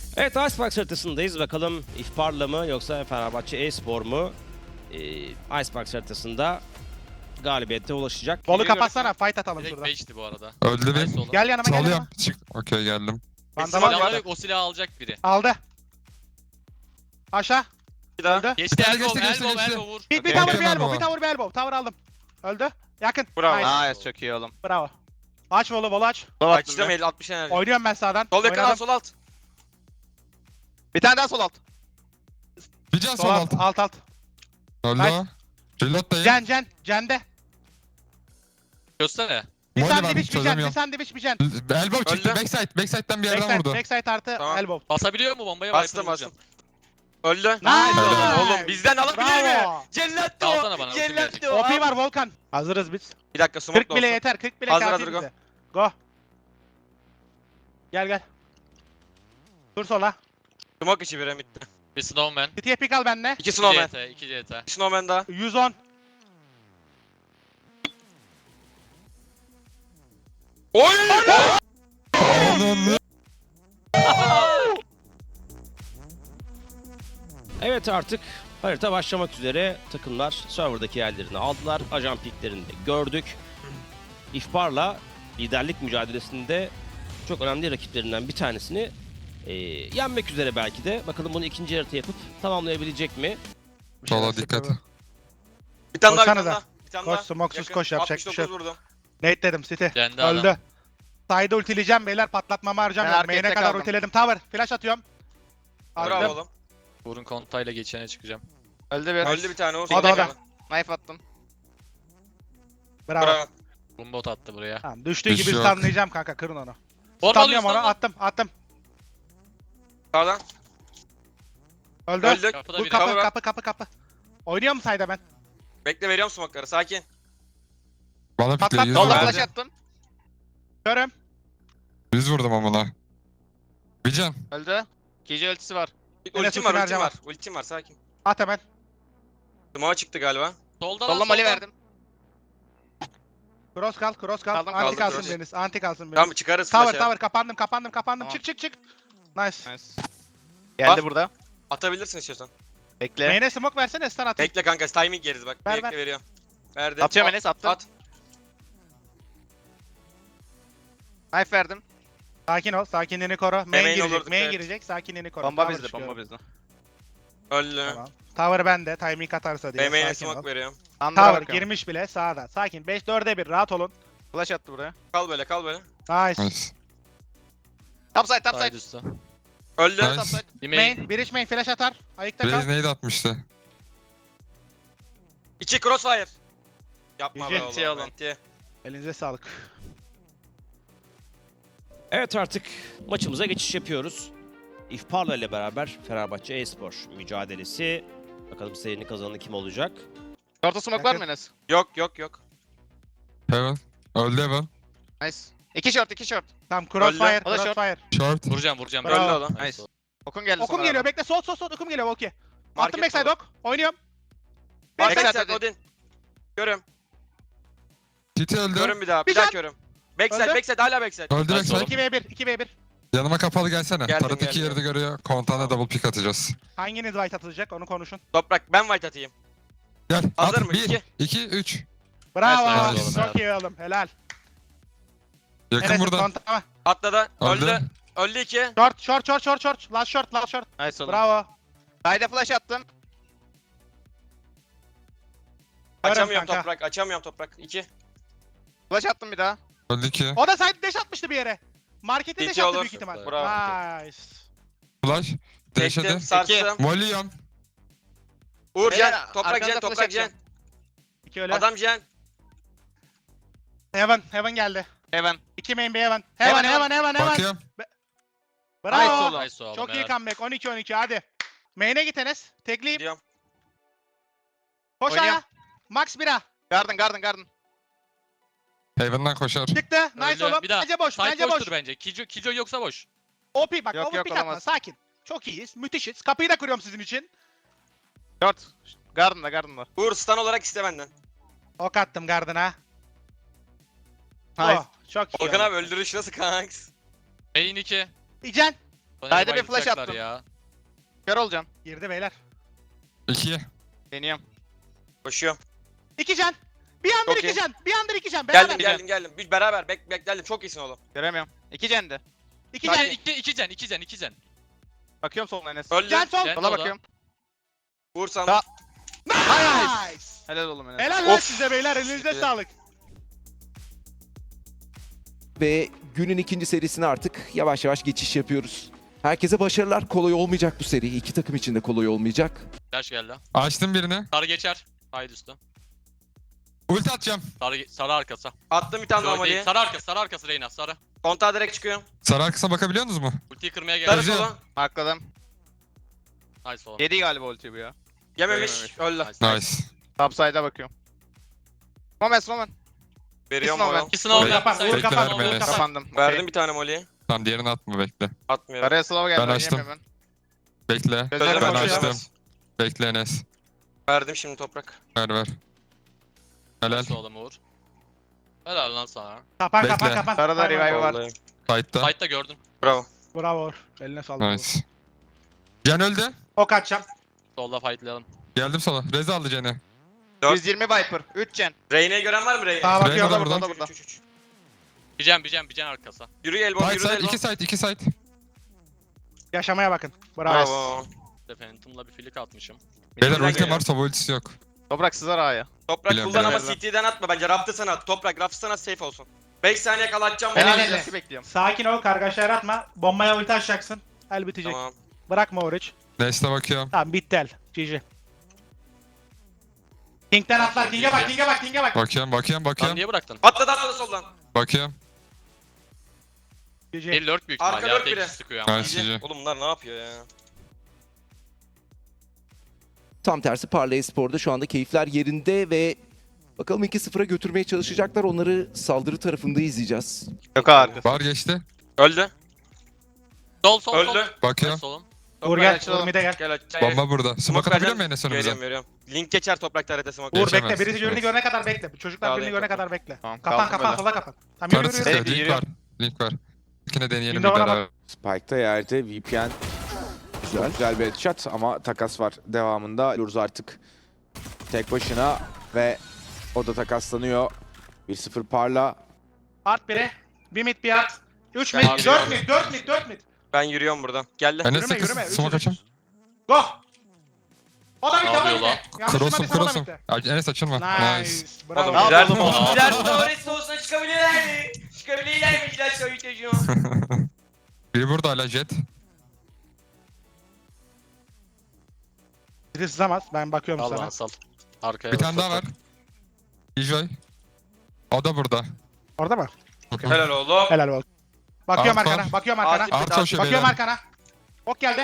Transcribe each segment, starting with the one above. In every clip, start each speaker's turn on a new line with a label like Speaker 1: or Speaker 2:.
Speaker 1: Evet, Icebox haritasındayız. Bakalım İhbar'la mı yoksa Fenerbahçe e-spor mu Icebox haritasında galibiyete ulaşacak?
Speaker 2: Bolu
Speaker 3: Geliyorum.
Speaker 2: kapatsana, fight atalım
Speaker 3: Direkt
Speaker 2: şurada.
Speaker 3: 5'ti bu arada.
Speaker 4: Öldü
Speaker 3: Nice
Speaker 4: bir.
Speaker 3: oğlum.
Speaker 2: Gel yanıma, gel
Speaker 4: Salıyorum.
Speaker 2: yanıma.
Speaker 4: Çık. Okey geldim.
Speaker 2: Vandal
Speaker 3: Silahı
Speaker 2: var.
Speaker 3: yok, o silahı alacak biri.
Speaker 2: Aldı. Aşağı.
Speaker 3: Bir daha.
Speaker 2: Öldü.
Speaker 3: Geçti,
Speaker 4: Bir tane
Speaker 3: elbow,
Speaker 4: geçti,
Speaker 3: elbow,
Speaker 4: geçti.
Speaker 3: elbow vur.
Speaker 2: Bir
Speaker 4: Okey,
Speaker 2: tower, bir
Speaker 4: okey,
Speaker 2: elbow,
Speaker 4: baba.
Speaker 2: bir tower, bir elbow. Tower aldım. Öldü. Yakın.
Speaker 3: Bravo.
Speaker 2: Nice.
Speaker 5: Nice, çok iyi oğlum.
Speaker 2: Bravo. Aç bolu aç.
Speaker 3: Açtım 50-60 enerji.
Speaker 2: Oynuyorum ben sağdan.
Speaker 3: Sol yakın al,
Speaker 2: Oynadım.
Speaker 3: sol alt.
Speaker 5: Bir tane daha sol alt.
Speaker 4: Bir can
Speaker 2: Sol
Speaker 4: sol
Speaker 2: alt,
Speaker 4: alt.
Speaker 2: alt alt.
Speaker 4: Öldü
Speaker 2: Nice.
Speaker 4: o. Reload dayı.
Speaker 2: Cende.
Speaker 3: Göster.
Speaker 2: Bir
Speaker 4: Molly var,
Speaker 2: sandviç, bir can, bir
Speaker 4: çözemiyorum.
Speaker 2: sandviç, bir can.
Speaker 4: Elbow çıktı.
Speaker 3: Öldü.
Speaker 4: Backside'den bir yerden
Speaker 2: Backside,
Speaker 4: vurdu.
Speaker 2: backside artı
Speaker 3: Tamam.
Speaker 2: elbow.
Speaker 3: Basabiliyor mu bombaya?
Speaker 5: Bastım,
Speaker 3: Viper'ı vuracağım.
Speaker 5: Öldü.
Speaker 2: Nice.
Speaker 5: Oğlum bizden alabilir mi?
Speaker 2: Bravo.
Speaker 5: Cellat de
Speaker 3: Alsana
Speaker 5: o.
Speaker 3: bana,
Speaker 5: Cellat
Speaker 3: ultim
Speaker 5: de o.
Speaker 2: OP var Volkan. Hazırız biz.
Speaker 5: Bir dakika smoke
Speaker 2: 40 bile yeter, 40 bile
Speaker 5: Hazır,
Speaker 2: kafi
Speaker 5: hazır, go.
Speaker 2: bize. Go. Gel. Dur sola.
Speaker 5: Smoke içi bire bitti.
Speaker 3: Bir snowman.
Speaker 2: City'ye pick al benle.
Speaker 5: 2
Speaker 3: 2
Speaker 5: snowman.
Speaker 3: CT, 2 CT.
Speaker 5: 2 snowman daha.
Speaker 2: 110.
Speaker 5: Oy!
Speaker 4: Ananı.
Speaker 1: Evet, artık harita başlamak üzere. Takımlar serverdaki yerlerini aldılar. Ajan piklerini de gördük. İhbar'la liderlik mücadelesinde çok önemli rakiplerinden bir tanesini yenmek üzere belki de. Bakalım bunu ikinci harita yapıp tamamlayabilecek mi?
Speaker 4: Sola dikkat.
Speaker 5: Bir tane daha, bir
Speaker 2: Koşsana
Speaker 5: tane
Speaker 2: da.
Speaker 5: daha. Bir tane
Speaker 2: Koş,
Speaker 5: daha.
Speaker 2: smoksuz
Speaker 5: Yakın.
Speaker 2: koş, yapacak bir şey
Speaker 5: 69
Speaker 2: yok.
Speaker 5: vurdum.
Speaker 2: Nate dedim City.
Speaker 3: Kendi
Speaker 2: Öldü.
Speaker 3: adam.
Speaker 2: Side'ı ultileyeceğim beyler, patlatmamı harcamıyorum.
Speaker 5: Ben
Speaker 2: Main'e
Speaker 5: arkaya
Speaker 2: kadar
Speaker 5: kaldım.
Speaker 2: ultiledim. Tower. Flash atıyorum.
Speaker 5: Bravo
Speaker 2: Attım.
Speaker 5: oğlum.
Speaker 3: Vurun kontayla geçene çıkacağım.
Speaker 5: Öldü bir. Öldü bir tane Uğur.
Speaker 2: O da, o da.
Speaker 5: Knife attım.
Speaker 2: Bravo.
Speaker 5: Bravo.
Speaker 3: Bombot attı buraya.
Speaker 2: Tamam, düştüğü
Speaker 4: Bir
Speaker 2: gibi
Speaker 4: şey yok.
Speaker 2: stunlayacağım kanka, kırın onu.
Speaker 3: Bomba
Speaker 2: Stunlıyorum onu,
Speaker 3: alıyor,
Speaker 2: attım.
Speaker 5: Sağdan.
Speaker 2: Öldü.
Speaker 5: Öldük.
Speaker 3: Kapıda
Speaker 2: Bu
Speaker 3: biri.
Speaker 2: kapı. Oynuyor mu side'a ben?
Speaker 5: Bekle, veriyorum smoke'ları, sakin.
Speaker 4: Bana
Speaker 2: Patlat,
Speaker 4: pikle. 100
Speaker 2: sola
Speaker 4: vurdum.
Speaker 2: flash
Speaker 5: attım.
Speaker 2: Görüm.
Speaker 4: 100 vurdum amına. Bir can.
Speaker 5: Öldü. Gece ultisi var.
Speaker 2: Yine
Speaker 5: Ultim var,
Speaker 2: sütun
Speaker 5: ultim var.
Speaker 2: harcama.
Speaker 5: Ultim var, sakin.
Speaker 2: At hemen.
Speaker 5: Smoke'a çıktı galiba.
Speaker 3: Solda
Speaker 5: Solla
Speaker 3: lan,
Speaker 5: mali
Speaker 3: solda.
Speaker 5: verdim.
Speaker 2: Cross kal.
Speaker 5: Kaldım,
Speaker 2: Anti
Speaker 5: kaldım,
Speaker 2: kalsın
Speaker 5: cross.
Speaker 2: Deniz. Anti kalsın Deniz.
Speaker 5: Tamam, çıkarız
Speaker 2: Tower,
Speaker 5: flash'ı.
Speaker 2: kapandım.
Speaker 5: Tamam.
Speaker 2: Çık. Nice.
Speaker 5: Nice.
Speaker 6: Geldi
Speaker 5: Bas.
Speaker 6: burada.
Speaker 5: Atabilirsin istiyorsan.
Speaker 6: Bekle.
Speaker 2: Main'e smoke versene, stun atayım.
Speaker 5: Bekle kanka, timing yeriz bak.
Speaker 2: Ver,
Speaker 5: Bekle,
Speaker 2: ver.
Speaker 5: veriyorum. Verdim.
Speaker 6: Atıyorum
Speaker 5: At,
Speaker 6: Enes, attım.
Speaker 5: At.
Speaker 6: Knife verdim.
Speaker 2: Sakin ol, sakinliğini koru. Main
Speaker 5: Main
Speaker 2: girecek,
Speaker 5: olurduk,
Speaker 2: main
Speaker 5: evet.
Speaker 2: girecek, sakinliğini koru.
Speaker 6: Bomba
Speaker 2: Tower
Speaker 6: bizde,
Speaker 2: çıkıyor.
Speaker 6: bomba bizde.
Speaker 5: Öldü.
Speaker 2: Tamam. Tower bende, timing atarsa diye.
Speaker 5: BM'ye
Speaker 2: Sakin ol.
Speaker 5: smoke veriyorum.
Speaker 6: Under'a
Speaker 2: Tower
Speaker 6: bakıyorum.
Speaker 2: girmiş bile sağda. Sakin. 5-4'e 1, rahat olun.
Speaker 6: Flash attı buraya.
Speaker 5: Kal böyle, kal böyle.
Speaker 2: Nice.
Speaker 4: Nice.
Speaker 6: Topside,
Speaker 3: Side
Speaker 6: topside.
Speaker 3: üstü.
Speaker 5: Öldü.
Speaker 4: Nice.
Speaker 6: Topside.
Speaker 3: Bir main.
Speaker 2: Main, bridge main flash atar. Ayıkta kal.
Speaker 4: Blaze neydi atmıştı?
Speaker 5: 2 crossfire. Yapma be
Speaker 2: Yüce.
Speaker 5: oğlum.
Speaker 6: Şey oğlum.
Speaker 5: Menti.
Speaker 2: Elinize sağlık.
Speaker 1: Evet, artık maçımıza geçiş yapıyoruz. İhbar'la ile beraber Fenerbahçe e-spor mücadelesi. Bakalım serinin kazananı kim olacak?
Speaker 6: Short'a smoke var mı Enes?
Speaker 5: Yok.
Speaker 4: Heaven. Öldü Heaven.
Speaker 6: Nice. 2 short, 2 short.
Speaker 2: Tamam, crossfire,
Speaker 6: O da short.
Speaker 2: crossfire.
Speaker 4: Short.
Speaker 3: Vuracağım.
Speaker 2: Bravo.
Speaker 5: Öldü oğlum.
Speaker 6: Nice. Okun geldi
Speaker 2: Okum
Speaker 6: sonra.
Speaker 2: geliyor, bekle. Sol, okum geliyor, okey. Attım
Speaker 5: Market
Speaker 2: backside
Speaker 5: dolu.
Speaker 2: ok. Oynuyorum.
Speaker 6: Backside
Speaker 5: Backside
Speaker 6: hadi.
Speaker 5: Odin. Görüm.
Speaker 4: Titi öldü.
Speaker 5: Görüm bir daha.
Speaker 2: Bir
Speaker 5: Bir daha
Speaker 2: can.
Speaker 5: görüm. Backside,
Speaker 2: Öldü.
Speaker 5: backside, hala backside.
Speaker 4: Öldü
Speaker 3: Nice
Speaker 4: backside.
Speaker 3: oğlum.
Speaker 2: 2v1, 2v1.
Speaker 4: Yanıma kapalı gelsene.
Speaker 5: Geldim,
Speaker 4: Tarıt iki
Speaker 5: geldim.
Speaker 4: yerde görüyor. Kontağına double pick atacağız.
Speaker 2: Hanginiz white atılacak, onu konuşun.
Speaker 5: Toprak, ben white atayım.
Speaker 4: Gel.
Speaker 5: Hazır
Speaker 4: at.
Speaker 5: mı?
Speaker 4: 1,
Speaker 5: İki.
Speaker 4: 2, 3.
Speaker 2: Bravo.
Speaker 3: Nice,
Speaker 4: nice
Speaker 2: Çok iyi oğlum, helal.
Speaker 4: Yakın
Speaker 2: Enes'in
Speaker 4: burada.
Speaker 2: kontağı.
Speaker 5: Atladı.
Speaker 4: Öldü.
Speaker 5: Öldü. Öldü 2.
Speaker 2: Short. Last short.
Speaker 6: Nice oğlum.
Speaker 2: Bravo.
Speaker 6: Side'e flash attım.
Speaker 5: Açamıyorum
Speaker 2: kanka.
Speaker 5: toprak. Açamıyorum toprak. 2.
Speaker 6: Flash attım bir daha.
Speaker 4: Öldü 2.
Speaker 2: O da side dash atmıştı bir yere. Markete dash
Speaker 5: İki
Speaker 2: attı
Speaker 5: olur.
Speaker 2: büyük ihtimal.
Speaker 5: Bravo.
Speaker 2: Nice.
Speaker 4: Flash. Deşedi.
Speaker 5: Çektim. Sarstım.
Speaker 4: Molly'yam.
Speaker 5: Uğur
Speaker 6: Beyler,
Speaker 5: Cen. Toprak
Speaker 6: arkanıza
Speaker 5: Cen.
Speaker 6: flash
Speaker 5: Toprak Cen.
Speaker 6: atacağım.
Speaker 2: İki öyle.
Speaker 5: Adam Cen.
Speaker 2: Heaven geldi.
Speaker 6: Heaven.
Speaker 2: 2 main bir Heaven.
Speaker 6: Heaven,
Speaker 2: Heaven.
Speaker 4: Bakıyorum.
Speaker 2: Bravo.
Speaker 6: Nice oğlum.
Speaker 3: Nice oğlum,
Speaker 2: Çok iyi
Speaker 3: helal.
Speaker 2: comeback. 12-12 hadi. Main'e git Enes. Tekleyip.
Speaker 5: Gidiyorum.
Speaker 2: Koş
Speaker 6: Oynuyorum.
Speaker 2: aya. Max 1'a.
Speaker 6: Garden.
Speaker 4: Haven'dan koşar.
Speaker 2: Çıktı. Nice
Speaker 3: Öldü.
Speaker 2: oğlum.
Speaker 3: Bir daha.
Speaker 2: Bence boş.
Speaker 3: Side
Speaker 2: Bence boş.
Speaker 3: boştur bence. Kijo yoksa boş.
Speaker 2: OP bak.
Speaker 6: Yok,
Speaker 2: OP
Speaker 6: yok,
Speaker 2: pick atma.
Speaker 6: olamaz.
Speaker 2: Sakin. Çok iyiyiz. Müthişiz. Kapıyı da kırıyorum sizin için.
Speaker 6: Short. Garden'da.
Speaker 5: Uğur stun olarak iste benden.
Speaker 2: Ok attım Garden'a.
Speaker 6: Nice.
Speaker 2: Oh, çok iyi.
Speaker 5: Volkan
Speaker 2: oğlum.
Speaker 5: abi öldürüş nasıl kanks?
Speaker 3: Main 2.
Speaker 2: İcen.
Speaker 6: Sayda bir flash
Speaker 3: Bayılacaklar
Speaker 6: attım.
Speaker 3: ya.
Speaker 6: Kör olacağım.
Speaker 2: Girdi beyler.
Speaker 4: 2.
Speaker 6: Deniyorum.
Speaker 5: Koşuyorum.
Speaker 2: 2 can. Bir andır
Speaker 5: Çok
Speaker 2: 2
Speaker 5: iyi.
Speaker 2: can. Bir andır 2 can. Beraber.
Speaker 5: Geldim. Bir beraber geldim. Çok iyisin oğlum.
Speaker 6: Göremiyorum. 2 cendi.
Speaker 2: 2
Speaker 3: 2
Speaker 2: can.
Speaker 3: can, 2 can.
Speaker 6: Bakıyorum soluna Enes.
Speaker 5: Öldü.
Speaker 2: Can sol.
Speaker 3: Can.
Speaker 6: Sola
Speaker 3: Sola.
Speaker 6: bakıyorum.
Speaker 5: Vur sana.
Speaker 6: Sağ.
Speaker 2: Nice.
Speaker 6: Helal oğlum Enes.
Speaker 2: Helal lan
Speaker 5: Of.
Speaker 2: size beyler. Elinize sağlık.
Speaker 7: Ve günün ikinci serisine artık yavaş yavaş geçiş yapıyoruz. Herkese başarılar. Kolay olmayacak bu seri. İki takım için de kolay olmayacak.
Speaker 3: Flash geldi.
Speaker 4: Açtım birini.
Speaker 3: Sarı geçer. Haydi üstü.
Speaker 4: Ulti atacağım.
Speaker 3: Sarı arkası.
Speaker 5: Attım bir tane
Speaker 3: Yok
Speaker 5: normali.
Speaker 3: değil. Sarı arkası Reyna. Sarı.
Speaker 5: Kontağa direkt çıkıyorum.
Speaker 4: Sarı arkasına bakabiliyor musunuz mu?
Speaker 3: Ultiyi kırmaya
Speaker 5: Sarı
Speaker 3: geldi.
Speaker 4: Güzel.
Speaker 5: sola.
Speaker 6: Hakladım.
Speaker 3: Nice oğlum.
Speaker 6: 7 galiba ulti bu ya.
Speaker 5: Yememiş. Öldü.
Speaker 4: Nice.
Speaker 6: Topside'a bakıyorum. Moment.
Speaker 5: Veriyorum
Speaker 6: İkisini
Speaker 5: oğlum.
Speaker 3: İkisini al.
Speaker 2: Kapan,
Speaker 3: Sayın.
Speaker 2: vur, kapan,
Speaker 4: Bekle,
Speaker 2: vur,
Speaker 4: verme
Speaker 2: kapan.
Speaker 6: Kapandım.
Speaker 5: Verdim bir tane moliyi.
Speaker 4: Tamam diğerini atma bekle.
Speaker 5: Atmıyorum.
Speaker 6: Araya slow geldi.
Speaker 4: Ben açtım.
Speaker 6: oynayamıyorum
Speaker 4: Bekle.
Speaker 6: Gözlerim
Speaker 4: Ben
Speaker 6: açıyor.
Speaker 4: açtım. Bekle Enes.
Speaker 5: Verdim şimdi toprak.
Speaker 4: Ver. Helal.
Speaker 3: Nice oğlum Uğur. Helal lan sana.
Speaker 2: Kapan
Speaker 4: Bekle.
Speaker 2: kapan kapan.
Speaker 6: Sarıda
Speaker 2: Aynen.
Speaker 6: revive var.
Speaker 5: Vallahi.
Speaker 4: Sight'ta.
Speaker 3: Sight'ta gördüm.
Speaker 5: Bravo.
Speaker 2: Bravo Uğur. Eline sağlık.
Speaker 4: Nice. Can öldü.
Speaker 2: Ok atacağım.
Speaker 3: Solda fightlayalım.
Speaker 4: Geldim sola. Reza aldı Can'ı.
Speaker 6: 120 Viper. 3 gen.
Speaker 5: Reyne'yi gören var mı Reyne?
Speaker 2: Sağa bakıyorum.
Speaker 4: Reyna da
Speaker 6: Burada
Speaker 4: burada.
Speaker 6: burada.
Speaker 3: Bir can arkası.
Speaker 5: Yürü elbow,
Speaker 4: Side
Speaker 5: yürü
Speaker 4: side.
Speaker 5: elbow.
Speaker 4: 2 side. 2 side.
Speaker 2: Yaşamaya bakın. Bravo.
Speaker 5: Bravo.
Speaker 3: Phantom'la bir filik atmışım.
Speaker 4: Beyler
Speaker 5: Bizden
Speaker 4: ultim
Speaker 5: geliyor.
Speaker 4: var. Sova ultisi yok.
Speaker 6: Toprak sızar A'ya.
Speaker 5: Toprak
Speaker 4: Biliyorum,
Speaker 5: kullan ama
Speaker 6: biliyorum.
Speaker 5: CT'den atma bence. Raptı sana at. Toprak raptı sana safe olsun. 5 saniye kala atacağım.
Speaker 6: Ben
Speaker 2: Helal
Speaker 5: bunu.
Speaker 2: Enes.
Speaker 6: Enes'i bekliyorum.
Speaker 2: Sakin ol. Kargaşa yaratma. Bombaya ulti açacaksın. El bitecek.
Speaker 5: Tamam.
Speaker 2: Bırakma Uğur'u.
Speaker 4: Neste bakıyorum.
Speaker 2: Tamam bitti el. GG. King'den atlar. King'e bak.
Speaker 4: Bakıyorum.
Speaker 3: Lan niye bıraktın?
Speaker 5: Atladı soldan.
Speaker 4: Bakıyorum.
Speaker 2: GG.
Speaker 3: Bir lurk büyük
Speaker 5: Arka
Speaker 3: ihtimal ya.
Speaker 5: lurk
Speaker 3: Tek
Speaker 5: biri.
Speaker 3: kişi sıkıyor ama.
Speaker 4: Nice GG.
Speaker 5: Oğlum bunlar ne yapıyor ya?
Speaker 7: Tam tersi Parlay Spor'da şu anda keyifler yerinde ve bakalım 2-0'a götürmeye çalışacaklar. Onları saldırı tarafında izleyeceğiz.
Speaker 6: Yok arkası.
Speaker 4: Var geçti.
Speaker 5: Öldü.
Speaker 3: Sol.
Speaker 5: Öldü.
Speaker 4: Bakıyorum.
Speaker 3: Nice oğlum.
Speaker 2: Uğur gel.
Speaker 6: açalım.
Speaker 2: Uğur mid'e gel.
Speaker 5: Gel aç.
Speaker 4: Bomba burada. Smoke atabiliyor musun Enes önümüze?
Speaker 5: Veriyorum. Link geçer toprakta harita smoke.
Speaker 2: Uğur
Speaker 4: Geçemez.
Speaker 2: bekle. Birisi birini
Speaker 4: Evet.
Speaker 2: görene kadar bekle. Çocuklar
Speaker 5: Sağ
Speaker 2: birini
Speaker 5: olun,
Speaker 2: görene
Speaker 5: kapan.
Speaker 2: kadar bekle.
Speaker 6: Tamam,
Speaker 2: Kapan
Speaker 6: kaldım
Speaker 2: kapan
Speaker 6: böyle.
Speaker 2: sola kapan. Tamam
Speaker 4: Sarı
Speaker 2: yürü.
Speaker 4: sıkıyor.
Speaker 6: Hadi,
Speaker 4: Link
Speaker 6: yürü.
Speaker 4: var. Link var. İkine deneyelim bir
Speaker 2: Windows'a
Speaker 4: beraber.
Speaker 8: Spike'da yerde VPN çok güzel bir headshot ama takas var devamında. Lurz artık tek başına ve o da takaslanıyor. 1-0 parla.
Speaker 2: Art biri. Bir mid bir art. 3
Speaker 5: Ben
Speaker 2: mid. 4 mid. 4 mid.
Speaker 5: Ben yürüyorum buradan. Geldi.
Speaker 4: Enes
Speaker 2: Yürüme,
Speaker 4: 8.
Speaker 2: yürüme.
Speaker 4: Smoke açım.
Speaker 2: Go. O da mid.
Speaker 3: Ne
Speaker 2: O da
Speaker 3: yapıyor
Speaker 2: mid.
Speaker 3: lan?
Speaker 2: Yanlış
Speaker 4: Cross'um
Speaker 2: duymadıysam o da
Speaker 4: cross'um.
Speaker 2: mid'de.
Speaker 4: Enes açılma.
Speaker 2: Nice.
Speaker 4: Nice.
Speaker 2: Bravo.
Speaker 5: Oğlum
Speaker 6: Ne
Speaker 5: güzel.
Speaker 6: yapalım oğlum?
Speaker 5: Güzel Torres olsa çıkabilirler mi? Çıkabilirler mi? Güzel söyleyeceğim.
Speaker 4: Biri burada hala jet.
Speaker 2: Biri sızamaz. Ben bakıyorum
Speaker 3: Al
Speaker 2: sana.
Speaker 3: lan sal. Arkaya
Speaker 4: Bir
Speaker 3: bak,
Speaker 4: tane daha var.
Speaker 3: toprak.
Speaker 4: Enjoy. O da burada.
Speaker 2: Orada mı?
Speaker 5: Helal oğlum.
Speaker 2: Helal ol. Bakıyorum
Speaker 4: Art var.
Speaker 2: arkana. Bakıyorum arkana.
Speaker 5: Art-
Speaker 4: Art koşuyor
Speaker 2: Bakıyorum
Speaker 4: beyler.
Speaker 2: arkana. Ok geldi.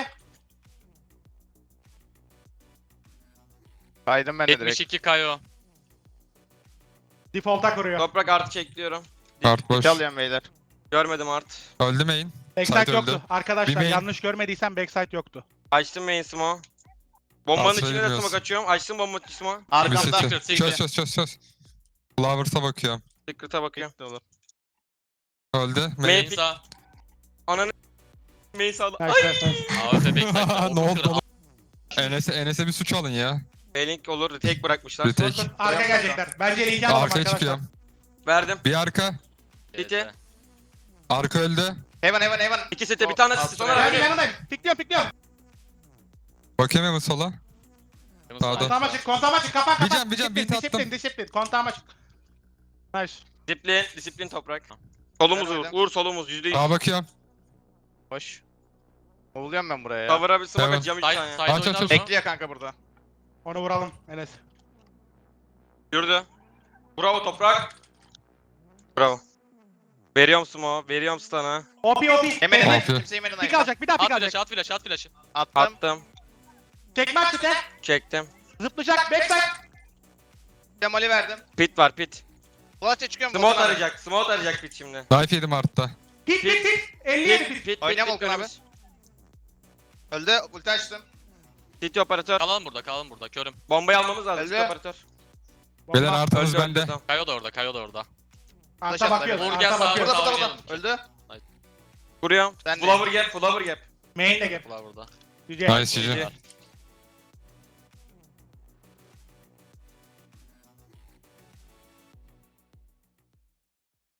Speaker 6: Kaydım ben de direkt.
Speaker 3: 72 Kayo.
Speaker 2: Default'a kuruyor.
Speaker 5: Toprak artı çekliyorum.
Speaker 4: Art boş.
Speaker 6: İki alıyorum beyler.
Speaker 5: Görmedim art.
Speaker 4: Öldü main.
Speaker 2: Backside
Speaker 4: Side
Speaker 2: yoktu.
Speaker 4: öldü.
Speaker 2: Arkadaşlar
Speaker 4: Bir main.
Speaker 2: yanlış görmediysem backside yoktu.
Speaker 5: Açtım main smoke. Bombanın
Speaker 4: Asla
Speaker 5: içine de
Speaker 4: bilmiyoruz.
Speaker 5: smoke açıyorum. Açtım bombanın içine smoke.
Speaker 4: Bir
Speaker 6: Arkamda.
Speaker 4: sesi.
Speaker 3: Secret.
Speaker 4: Çöz. Flowers'a bakıyorum.
Speaker 5: Secret'a bakıyorum.
Speaker 6: Olur.
Speaker 4: Öldü. Main.
Speaker 5: Main.
Speaker 3: Main sağ.
Speaker 5: Ananı main sağda.
Speaker 2: Nice nice nice.
Speaker 3: AWP backside.
Speaker 4: Ne oldu oğlum? Enes'e bir suç alın ya.
Speaker 5: Link olur. Tek bırakmışlar.
Speaker 4: Bir tek.
Speaker 2: Arka gelecekler. Bence linki alalım
Speaker 4: Arkaya
Speaker 2: arkadaşlar.
Speaker 4: çıkıyorum.
Speaker 5: Verdim.
Speaker 4: Bir arka.
Speaker 5: City.
Speaker 4: Arka öldü.
Speaker 6: Heaven.
Speaker 5: İki sete bir tane
Speaker 6: Alt
Speaker 5: asist sonra
Speaker 6: sıraya.
Speaker 2: Ben
Speaker 5: verdim.
Speaker 2: yanındayım. Pikliyorum.
Speaker 4: Bakayım hemen sola. Sağda.
Speaker 2: Kontağıma çık. Kapan.
Speaker 4: Bir can, beat attım.
Speaker 2: Disiplin. Kontağıma çık. Nice.
Speaker 5: Disiplin toprak. Solumuz
Speaker 6: Ben
Speaker 5: Uğur.
Speaker 6: verdim.
Speaker 5: Uğur solumuz %100.
Speaker 4: Sağa bakıyorum.
Speaker 6: Hoş. Kovuluyorum ben buraya ya.
Speaker 5: Cover'a bir smoke
Speaker 4: Tamam.
Speaker 5: atacağım 3
Speaker 3: Side
Speaker 5: tane.
Speaker 3: side
Speaker 4: Aç,
Speaker 3: oynar
Speaker 4: aç,
Speaker 3: mı?
Speaker 4: aç.
Speaker 6: Bekliyor kanka burada.
Speaker 2: Onu vuralım Enes.
Speaker 5: Yürüdü. Bravo toprak. Bravo. Veriyorum smoke. Veriyorum stun'a.
Speaker 2: OP.
Speaker 6: Hemen
Speaker 4: Tamam.
Speaker 6: kimse yemedim.
Speaker 2: Pik alacak. Bir daha
Speaker 3: At
Speaker 2: pik alacak.
Speaker 3: flash at flash.
Speaker 6: Attım.
Speaker 5: Attım.
Speaker 2: Çekme açtı.
Speaker 5: Çektim.
Speaker 2: Zıplayacak. Backside.
Speaker 6: Demoli verdim.
Speaker 5: Pit var pit.
Speaker 6: Flash'a çıkıyorum.
Speaker 5: Smoke arayacak. Smoke arayacak pit şimdi.
Speaker 4: Knife yedim artta.
Speaker 2: Pik. 57 pik.
Speaker 5: Pit.
Speaker 6: Oynayalım Volkan abi.
Speaker 5: önümüz.
Speaker 6: Öldü. Ulti açtım.
Speaker 5: City operatör.
Speaker 3: Kalalım burada. Körüm.
Speaker 5: Bombayı almamız lazım.
Speaker 6: Öldü.
Speaker 5: City operatör.
Speaker 4: Beyler
Speaker 2: Bomba.
Speaker 4: artanız
Speaker 5: Öldü,
Speaker 4: bende.
Speaker 5: tamam.
Speaker 3: Kayo da orada.
Speaker 2: Arta
Speaker 6: Flash
Speaker 2: bakıyoruz.
Speaker 3: Vur gel
Speaker 2: Arta
Speaker 3: sağa.
Speaker 2: bakıyoruz.
Speaker 6: Burada.
Speaker 3: oynayalım.
Speaker 6: Öldü.
Speaker 5: Vuruyorum.
Speaker 6: Ben de.
Speaker 5: Flower gap.
Speaker 2: Main de gap.
Speaker 3: Bunlar burada.
Speaker 2: Yüce.
Speaker 4: Nice GG.
Speaker 6: GG.